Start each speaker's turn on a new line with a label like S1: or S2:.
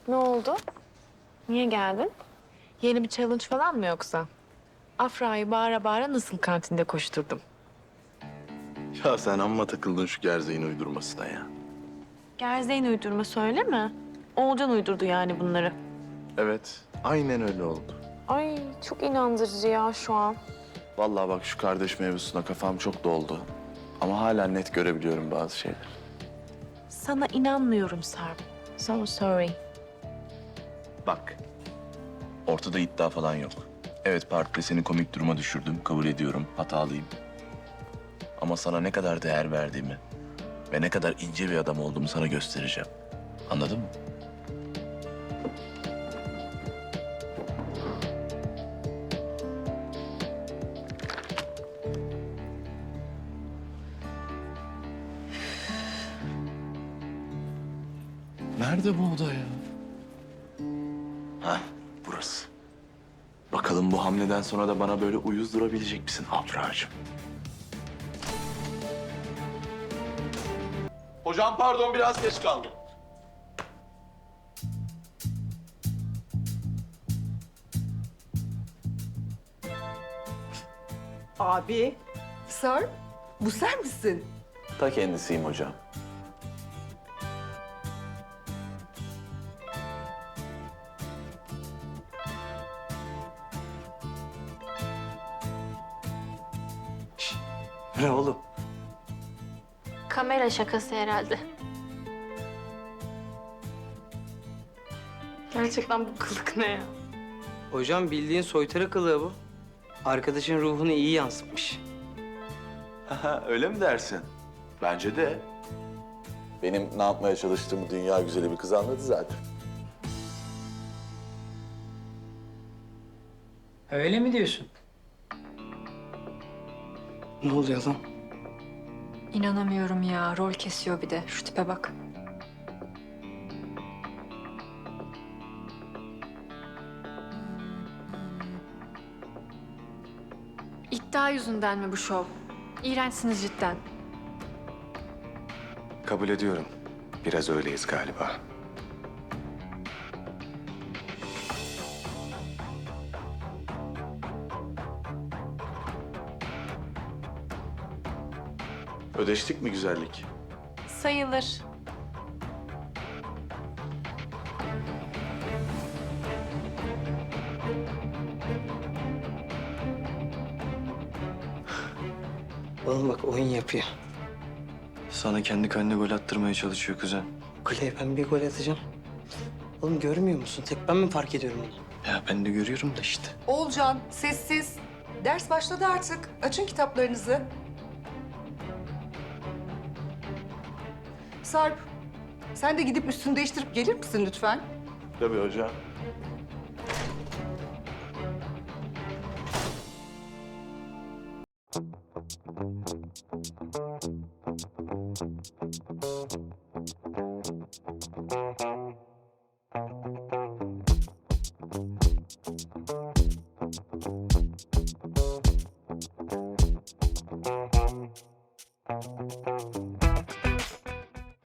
S1: Ne oldu? Niye geldin? Yeni bir challenge falan mı yoksa? Afra'yı bağıra bağıra nasıl kantinde koşturdum?
S2: Ya sen amma takıldın şu gerzeğin uydurmasına ya.
S1: Gerzeğin uydurma söyle mi? Oğulcan uydurdu yani bunları.
S2: Evet, aynen öyle oldu.
S1: Ay çok inandırıcı ya şu an.
S2: Vallahi bak şu kardeş mevzusuna kafam çok doldu. Ama hala net görebiliyorum bazı şeyler.
S1: Sana inanmıyorum Sarp. So sorry.
S2: Bak, ortada iddia falan yok. Evet, partide seni komik duruma düşürdüm, kabul ediyorum, hatalıyım. Ama sana ne kadar değer verdiğimi ve ne kadar ince bir adam olduğumu sana göstereceğim. Anladın mı? Nerede bu oda ya? Hah, burası. Bakalım bu hamleden sonra da bana böyle uyuz durabilecek misin Afra'cığım? Hocam pardon, biraz geç kaldım.
S3: Abi, Sarp, bu sen misin?
S2: Ta kendisiyim hocam.
S4: Ne oğlum?
S5: Kamera şakası herhalde.
S1: Gerçekten bu kılık ne ya?
S4: Hocam bildiğin soytarı kılığı bu. Arkadaşın ruhunu iyi yansıtmış.
S2: Öyle mi dersin? Bence de. Benim ne yapmaya çalıştığımı dünya güzeli bir kız anladı zaten.
S4: Öyle mi diyorsun? Ne oluyor lan?
S6: İnanamıyorum ya. Rol kesiyor bir de. Şu tipe bak. İddia yüzünden mi bu şov? İğrençsiniz cidden.
S7: Kabul ediyorum. Biraz öyleyiz galiba.
S2: Ödeştik mi güzellik?
S1: Sayılır.
S4: Oğlum bak oyun yapıyor.
S7: Sana kendi kendine gol attırmaya çalışıyor kuzen.
S4: Kuleye ben bir gol atacağım. Oğlum görmüyor musun? Tek ben mi fark ediyorum bunu?
S7: Ya ben de görüyorum da işte.
S3: Oğulcan, sessiz. Ders başladı artık. Açın kitaplarınızı. Sarp, sen de gidip üstünü değiştirip gelir misin lütfen?
S2: Tabii hocam.